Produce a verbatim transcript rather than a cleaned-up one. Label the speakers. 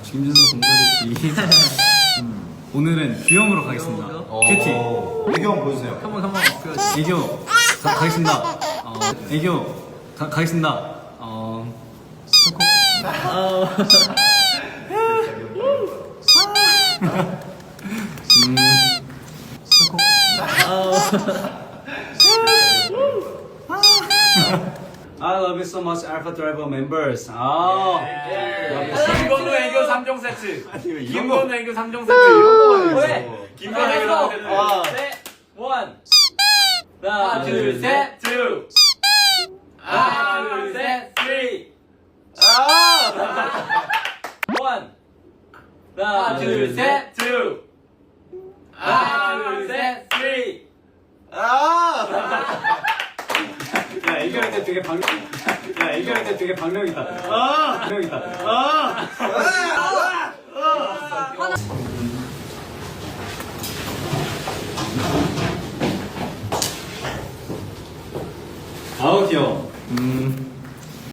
Speaker 1: 김준서 곰돌이 음, 오늘은 귀염으로 가겠습니다. 큐티.
Speaker 2: 애교 한번 보여주세요.
Speaker 3: 한번 한번
Speaker 1: 애교 가, 가겠습니다. 어, 애교 가, 가겠습니다. 어, 음, I love you so much, Alpha Driver members. 아,
Speaker 3: 김건우 애교 삼 종 세트.
Speaker 2: 이런
Speaker 3: 김건우 애교 삼 종 세트. 이런 거만
Speaker 2: 왜?
Speaker 3: 해야지. 김건우 애교 삼 종 세트.
Speaker 2: 아.
Speaker 3: 셋, 원. 하나, 둘, 셋, 투. 하나, 둘, 셋, 쓰리.
Speaker 2: 아!
Speaker 3: 원. 하나, 둘, 셋, 투. 하나, 둘, 셋, 쓰리.
Speaker 2: 아!
Speaker 1: 야, 애교할 때 되게 방, 야, 애교할 때 되게 방력이다. 아, 방력이다. 아. 아우 귀여워. 음.